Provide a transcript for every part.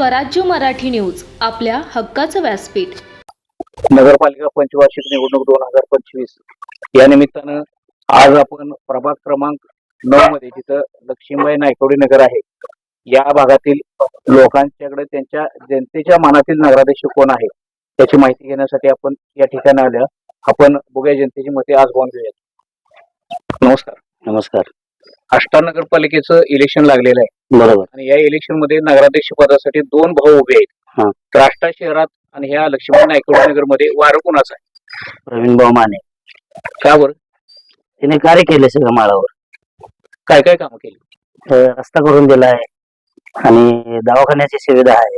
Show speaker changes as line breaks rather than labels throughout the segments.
स्वराज्य मराठी न्यूज, आपल्या हक्काचं व्यासपीठ.
नगरपालिका पंचवार्षिक निवडणूक 2025 या निमित्तानं आज आपण प्रभाग क्रमांक 9 मध्ये जिथं लक्ष्मीबाई नायकवडी नगर आहे या भागातील लोकांच्याकडे त्यांच्या जनतेच्या मनातील नगराध्यक्ष कोण आहे त्याची माहिती घेण्यासाठी आपण या ठिकाणी आल्या. आपण बघूया जनतेची मते आज बोलून घेऊयात. नमस्कार.
नमस्कार.
आष्टा नगरपालिकेचं इलेक्शन लागलेलं आहे,
बरोबर.
आणि या इलेक्शन मध्ये नगराध्यक्ष पदासाठी दोन भाऊ उभे आहेत. तर आष्टा शहरात आणि ह्या लक्ष्मीबाई नायकवडी नगर मध्ये वारं कोणाचं आहे?
प्रवीण भाऊ माने.
का बरं?
तिने कार्य केले सगळं माळावर.
काय काय कामं केली?
रस्ता करून दिलाय आणि दवाखान्याची सुविधा आहे.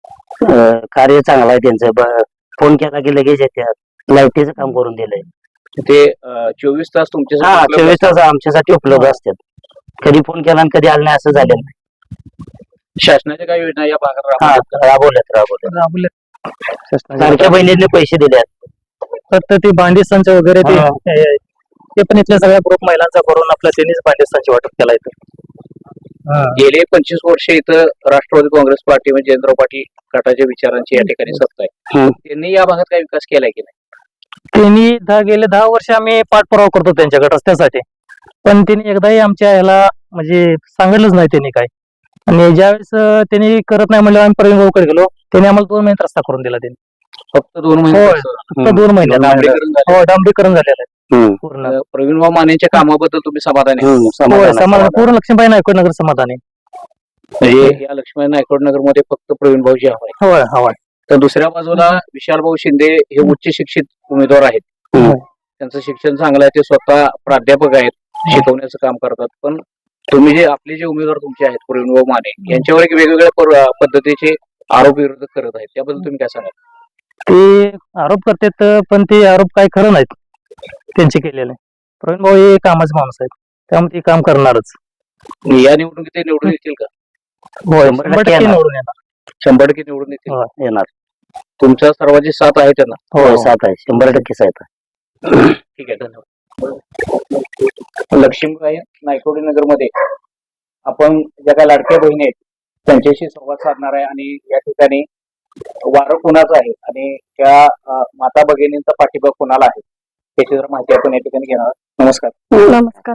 कार्य चांगलं आहे त्यांचं. फोन केला की लगेच येतात. लाईटीचं काम करून दिलंय.
ते 24 तास तुमच्या
24 तास आमच्यासाठी उपलब्ध असतात. कधी फोन केला आणि कधी आलं नाही असं झालेलं नाही.
शासनाच्या काही योजना या भागात
राबवल्यात. लाडक्या बहिणीने पैसे दिले.
फक्त ती भांडी संच वगैरे ते पण इथल्या सगळ्या ग्रुप महिलांचा करून आपल्या त्यांनीच भांडी संच वाटप केला इथं.
गेले 25 वर्ष इथं राष्ट्रवादी काँग्रेस पार्टी म्हणजे जयंतराव पाटील गटाच्या विचारांची या ठिकाणी सत्ता आहे. त्यांनी या भागात काय विकास केलाय की नाही?
त्यांनी गेले 10 वर्ष आम्ही पाठपुरावा करतो त्यांच्याकडे रस्त्यासाठी, पण त्यांनी एकदाही आमच्या ह्याला म्हणजे सांगितलंच नाही त्यांनी काय. आणि ज्यावेळेस त्यांनी करत नाही म्हणलं आम्ही प्रवीण भाऊकडे गेलो. त्यांनी आम्हाला 2 महिन्यात रस्ता करून दिला. त्यांनी
फक्त 2 महिने?
फक्त 2 महिन्यात. हो, डांबरीकरण झालेलं आहे पूर्ण.
प्रवीण भाऊ मानेच्या कामाबद्दल तुम्ही समाधानी?
समाधान पूर्ण लक्ष्मीबाई नायकवडी नगर समाधानी.
म्हणजे या लक्ष्मीबाई नायकवडी नगर मध्ये फक्त प्रवीण भाऊजी हवाय.
हवाय.
तर दुसऱ्या बाजूला विशाल भाऊ शिंदे हे उच्च शिक्षित उमेदवार आहेत. त्यांचं शिक्षण चांगलं आहे. ते स्वतः प्राध्यापक आहेत, शिकवण्याचं काम करतात. पण तुम्ही जे आपले जे उमेदवार तुमचे आहेत प्रवीण भाऊ माने यांच्यावर एक वेगवेगळ्या पद्धतीचे आरोप विरोध करत आहेत, त्याबद्दल तुम्ही काय सांगाल?
ते आरोप करतात पण ते आरोप काही खरं नाहीत त्यांचे केलेले. प्रवीण भाऊ हे कामाचे माणूस आहेत, त्यामुळे ते काम करणारच.
या निवडणुकीत ते निवडून येतील का?
होय, 100% निवडून येणार.
100% निवडून येणार. तुमच्या सर्वांची साथ आहे त्यांना?
हो, साथ आहे. 100% साथ आहे.
ठीक आहे, धन्यवाद. लक्ष्मीबाई नायकवडी नगर मध्ये आपण ज्या काही लाडक्या बहिणी आहेत त्यांच्याशी संवाद साधणार आहे, आणि या ठिकाणी वारं कुणाचं आहे आणि त्या माता भगिनींचा पाठिंबा कुणाला आहे त्याची जर माहिती आपण या ठिकाणी घेणार. नमस्कार.
नमस्कार.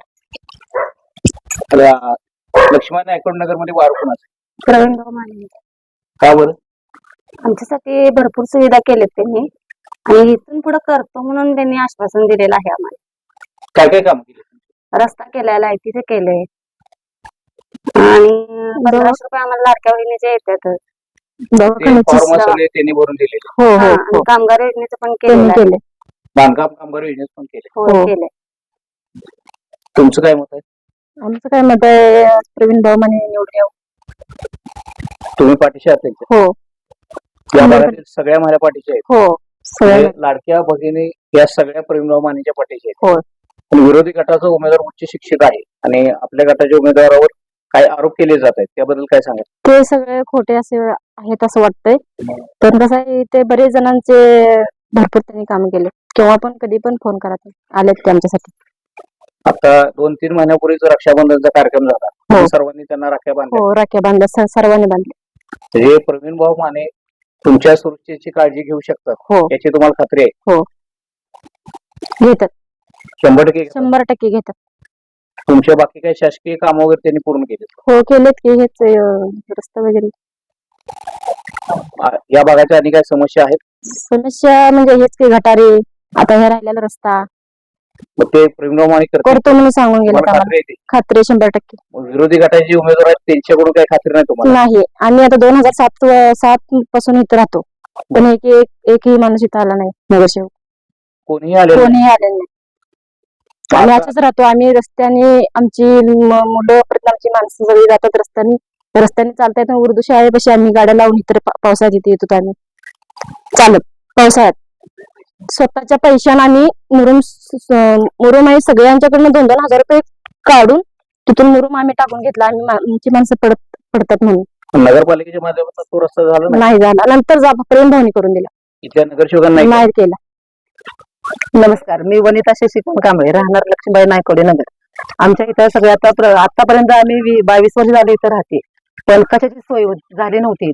लक्ष्मीबाई नायकवडी नगर मध्ये वारं कुणाचं आहे?
प्रवीण भाऊ माने.
का बरं?
आमच्यासाठी भरपूर सुविधा केल्यात त्यांनी, आणि इथून पुढे करतो म्हणून त्यांनी आश्वासन दिलेलं आहे आम्हाला.
काय काय काम केले?
रस्ता केलाय, लाईटीचे केले, आणि 1500 रुपये आम्हाला लाडक्या बहिणीचे येतात.
फॉर्म सगळे त्यांनी भरून दिलेले.
आणि कामगार योजनेचं पण केले.
बांधकाम कामगार योजनेच पण केले.
हो, केले.
तुमचं काय मत आहे?
आमचं काय मत आहे, प्रवीण भाऊ माने निवडून यावं.
तुम्ही पाठीशी असेल?
हो.
या भागातील सगळ्या महिला पाठीशी आहेत?
हो, सगळ्या
लाडक्या भगिनी या सगळ्या प्रवीण भाऊ मानेच्या पाठीशी आहेत.
हो.
पण विरोधी गटाचा उमेदवार उच्च शिक्षित आहे आणि आपल्या गटाच्या उमेदवारावर काही आरोप केले जात आहेत, त्याबद्दल काय सांगा?
ते सगळे खोटे असे आहेत असं वाटतंय. तर कसं आहे, ते बरेच जणांचे भरपूर त्यांनी काम केले. केव्हा पण कधी पण फोन करा, आलेत ते आमच्यासाठी.
आता 2-3 महिन्यापूर्वीच रक्षाबंधनचा कार्यक्रम झाला. सर्वांनी त्यांना राख्या बांधल्या.
हो, राख्या बांधल्या, सर्वांनी बांधल्या.
हे प्रवीण भाऊ माने तुमच्या सुरक्षेची काळजी घेऊ शकतात.
हो,
याची तुम्हाला खात्री आहे?
हो, घेतात. 100% घेतात.
तुमच्या बाकी काही शासकीय काम वगैरे त्यांनी पूर्ण केले?
हो, केलेत की. हेच रस्ता वगैरे.
या भागाच्या आणि काय समस्या आहेत?
समस्या म्हणजे हेच की गटारे, आता हे राहिलेला रस्ता.
ते प्रवीण भाऊ माने
करतो म्हणून सांगून गेले. खात्री 100%.
विरोधी गटाचे जे उमेदवार आहेत त्यांच्याकडून काही खात्री नाही तुम्हाला?
नाही. आम्ही आता 2007 पासून इथं राहतो, पण एकही माणूस इथं आला नाही. नगरसेवक कोणीही आले नाही. आम्ही असंच राहतो. आम्ही रस्त्याने आमची मुलं परत आमची माणसं सगळी जातात रस्त्याने चालता येतात. उर्दू शाळेपाशी आम्ही गाड्या लावून इतर पावसाळ्यात इथे येतो. आम्ही चालत पावसाळ्यात स्वतःच्या पैशाने आम्ही मुरुम आहे सगळ्यांच्याकडनं 2-2 हजार रुपये काढून तिथून मुरुम आम्ही टाकून घेतला. आमची माणसं पडतात म्हणून.
नगरपालिकेच्या माध्यमातून तो रस्ता झाला
नाही झाला. नंतर प्रेम भावनी करून दिला.
इथल्या नगरसेवकांना
नाही केला.
नमस्कार. मी वनिता शशिकांत कांबळे, राहणार लक्ष्मीबाई नायकवडी नगर. आमच्या इथं सगळे आतापर्यंत आम्ही 22 वर्ष झाले इथं राहते, पण कशाची सोय झाली नव्हती इथं.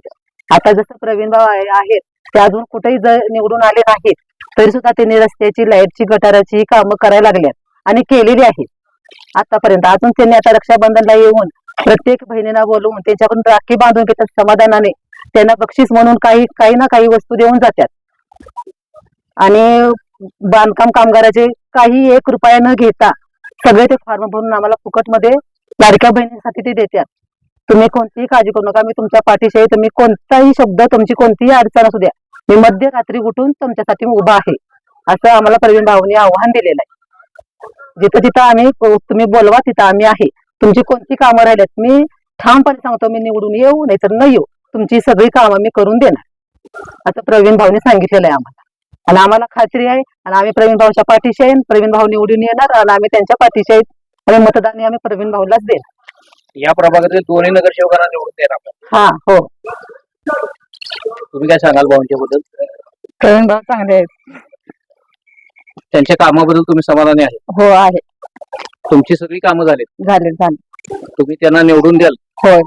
आता जसं प्रवीण भाऊ आहेत ते अजून कुठेही निवडून आले नाहीत तरी सुद्धा त्यांनी रस्त्याची, लाईटची, गटाराची कामं करायला लागल्यात आणि केलेली आहेत आतापर्यंत. अजून त्यांनी आता रक्षाबंधनला येऊन प्रत्येक बहिणीला बोलवून त्यांच्याकडून राखी बांधून घेतात समाधानाने. त्यांना बक्षीस म्हणून काही ना काही वस्तू देऊन जातात. आणि बांधकाम कामगाराचे काही 1 रुपया न घेता सगळे ते फॉर्म भरून आम्हाला फुकटमध्ये लाडक्या बहिणींसाठी ते देतात. तुम्ही कोणतीही काळजी करू नका, मी तुमच्या पाठीशी आहे. तुम्ही कोणताही शब्द, तुमची कोणतीही अडचण असू द्या, मी मध्यरात्री उठून तुमच्यासाठी उभा आहे, असं आम्हाला प्रवीण भाऊंनी आव्हान दिलेलं आहे. जिथं जिथं आम्ही, तुम्ही बोलवा तिथं आम्ही आहे. तुमची कोणती कामं राहिल्यात मी ठामपणे सांगतो, मी निवडून येऊ नाही तर न येऊ, तुमची सगळी कामं मी करून देणार, असं प्रवीण भाऊने सांगितलेलं आहे आम्हाला. आणि आम्हाला खात्री आहे आणि आम्ही प्रवीण भाऊच्या पाठीशी आहे. प्रवीण भाऊ निवडून येणार आणि आम्ही त्यांच्या पाठीशी आहेत आणि मतदान आम्ही प्रवीण भाऊलाच देणार.
या प्रभागातील दोन्ही नगरसेवकांना निवडून देणार.
हा, हो.
तुम्ही काय सांगाल भाऊंच्या बद्दल?
प्रवीण भाऊ चांगले आहेत.
त्यांच्या कामाबद्दल तुम्ही समाधानी आहे?
हो आहे.
तुमची सगळी कामं झालीत?
झाले.
तुम्ही त्यांना निवडून द्याल?
होय.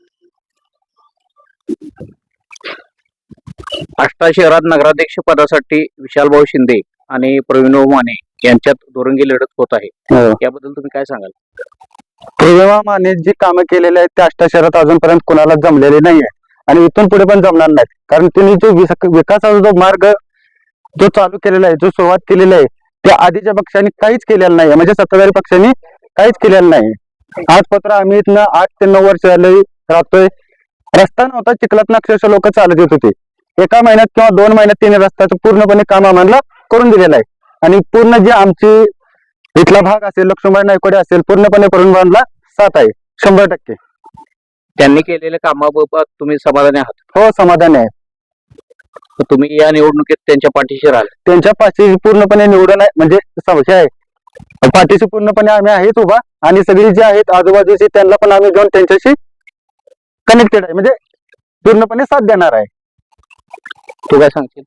आष्टा शहरात नगराध्यक्ष पदासाठी विशालभाऊ शिंदे आणि प्रवीणभाऊ माने यांच्यात दुरंगी लढत होत आहे, याबद्दल तुम्ही काय सांगाल?
प्रवीणभाऊ माने जी कामं केलेली आहेत त्या आष्टा शहरात अजूनपर्यंत कुणाला जमलेली नाहीये आणि इथून पुढे पण जमणार नाहीत. कारण त्यांनी जो विकासाचा जो मार्ग जो चालू केलेला आहे, जो सुरुवात केलेला आहे, त्या आधीच्या पक्षांनी काहीच केलेलं नाही. म्हणजे सत्ताधारी पक्षांनी काहीच केलेलं नाही. आजपत्र आम्ही इथनं 8 ते 9 वर्ष झाले राहतोय. रस्ता नव्हता, चिखलातनं अक्षरशः लोक चालत येत होते. 1 महिन्यात किंवा 2 महिन्यात त्यांनी रस्त्याचं पूर्णपणे काम आम्हाला करून दिलेलं आहे. आणि पूर्ण जे आमची इथला भाग असेल, लक्ष्मीबाई नायकोडे असेल, पूर्णपणे प्रवीणभाऊंना साथ आहे 100%.
त्यांनी केलेल्या कामाबाबत तुम्ही समाधानी आहात?
हो, समाधानी आहे.
तर तुम्ही या निवडणुकीत त्यांच्या पाठीशी राहाल?
त्यांच्या पाठीशी पूर्णपणे निवडून आहे, म्हणजे हे आहे, पाठीशी पूर्णपणे आम्ही आहेत उभा. आणि सगळी जी आहेत आजूबाजूची त्यांना पण आम्ही घेऊन त्यांच्याशी कनेक्टेड आहे, म्हणजे पूर्णपणे साथ देणार आहे.
तू काय सांगशील?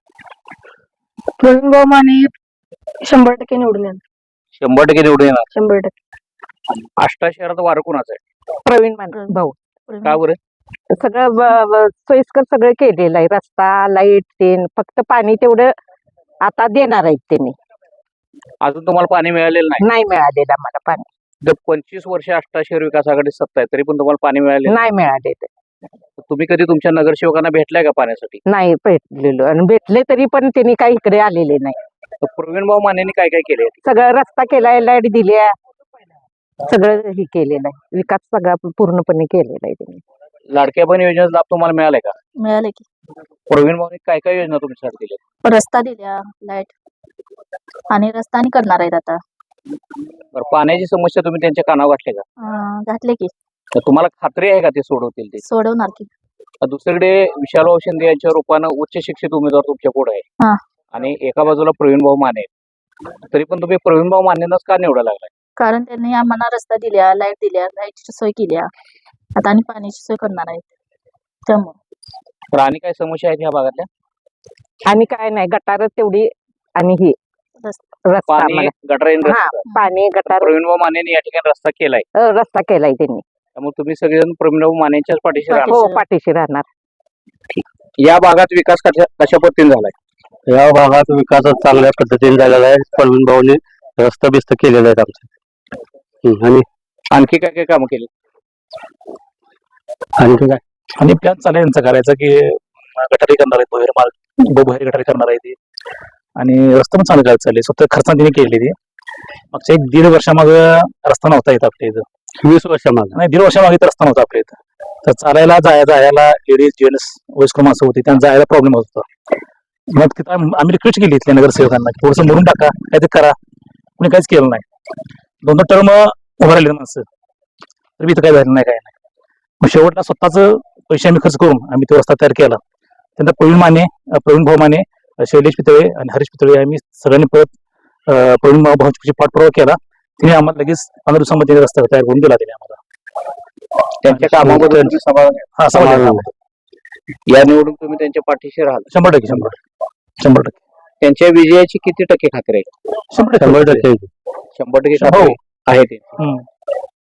प्रवीण भाऊ माने 100% निवडून येणार.
100% निवडून येणार?
100%.
आष्टा शहरात वारं कोणाचं आहे?
प्रवीण भाऊ.
का बरं?
सगळं सोयीस्कर सगळं केलेलं आहे. रस्ता, लाईट, तेन, फक्त पाणी तेवढं आता देणार आहेत त्यांनी.
अजून तुम्हाला पाणी मिळालेलं नाही?
नाही मिळालेलं आम्हाला पाणी.
25 वर्ष आष्टा शहर विकास आघाडी सत्ता आहे, तरी पण तुम्हाला पाणी मिळाले
नाही मिळालेलं.
तुम्ही कधी तुमच्या नगरसेवकांना भेटलाय का पाण्यासाठी?
नाही भेटलेलो, आणि भेटले तरी पण त्यांनी काही इकडे आलेले नाही.
प्रवीणभाऊ मानेंनी काय काय केले?
सगळं रस्ता केलाय, लाईट दिल्या, सगळं हे केलेलं आहे. विकास सगळा पूर्णपणे केलेला आहे त्यांनी.
लाडक्या बहीण योजनेचा लाभ तुम्हाला मिळालाय का?
मिळाले की.
प्रवीणभाऊनी काय काय योजना तुमच्यासाठी दिल्या?
रस्ता दिल्या, लाईट आणि रस्ता आणि करणार आहेत आता.
बरं, पाण्याची समस्या तुम्ही त्यांच्या कानावर घातली का?
घातले की.
तर तुम्हाला खात्री आहे का ते सोडवतील? ते
सोडवणार की.
दुसरीकडे विशालभाऊ शिंदे यांच्या रूपानं उच्च शिक्षित उमेदवार तुमच्या पुढे आहे आणि एका बाजूला प्रवीणभाऊ माने, तरी पण तुम्ही प्रवीणभाऊ मानेंनाच का निवडायला लागलाय?
कारण त्यांनी आम्हाला रस्ता दिल्या, लाईट दिल्या, लाईटची सोय केल्या, आता आणि पाण्याची सोय करणार आहेत. त्यामुळे
तर आणि काय समस्या आहेत ह्या भागातल्या?
आणि काय नाही, गटार तेवढी आणि ही रस्ता
पाणी,
आम्हाला.
गटर,
हा, पाणी, गटार,
प्रवीणभाऊ मानेंनी या ठिकाणी रस्ता केलाय,
रस्ता केलाय त्यांनी.
त्यामुळे तुम्ही सगळेजण प्रवीणभाऊ मानेंच्याच पाठीशी राहणार.
हो, पाठीशी राहणार.
या भागात विकास कशा पद्धतीने झालाय?
या भागात विकास चांगल्या पद्धतीने झालेला आहे. प्रवीणभाऊने रस्ता बिस्त केलेला आहे आमचा. आणि
आणखी काय काय कामं केली?
आणखी काय,
आणि प्लॅन चालू आहे यांचा करायचा की गटारी करणार आहेत, बाहेर गटारी करणार आहे ते, आणि रस्ता पण चालू करायला चालले. स्वतः खर्चाने तिने केलेली ती. मागच्या 1-1.5 वर्षामागे रस्ता नव्हता येत आपल्या इथं.
20 वर्षामागे
नाही, 1.5 वर्षामागे तर रस्ता नव्हता आपल्या इथं. तर चालायला जायला लेडीज, जेंट्स, वयस्कर माणसं होती, त्यांना जायला प्रॉब्लेम होत होता. मग तिथं आम्ही रिक्वेस्ट केली इथल्या नगरसेवकांना की थोडंसं मोडून टाका, काहीतरी करा. कोणी काहीच केलं नाही. 2 टर्म उभं राहिले माणसं, तर इथं काही झालं नाही, काय नाही. मग शेवटला स्वतःच पैसे आम्ही खर्च करून आम्ही तो रस्ता तयार केला. त्यानंतर प्रवीणभाऊ माने, शैलेश पितळे आणि हरीश पितळे आम्ही सगळ्यांनी परत प्रवीणभाऊ भाऊची पाठपुरावा केला. तिने आम्हाला लगेच 15 दिवसांमध्ये रस्ता तयार करून दिला तिने आम्हाला.
त्यांच्या कामाबद्दल तुम्ही समाधानी आहात?
हा, समाधान.
या निवडून तुम्ही त्यांच्या पाठीशी राहाल?
100%.
त्यांच्या विजयाची किती टक्के खात्री आहे?
100%
100% खात्री आहे ते.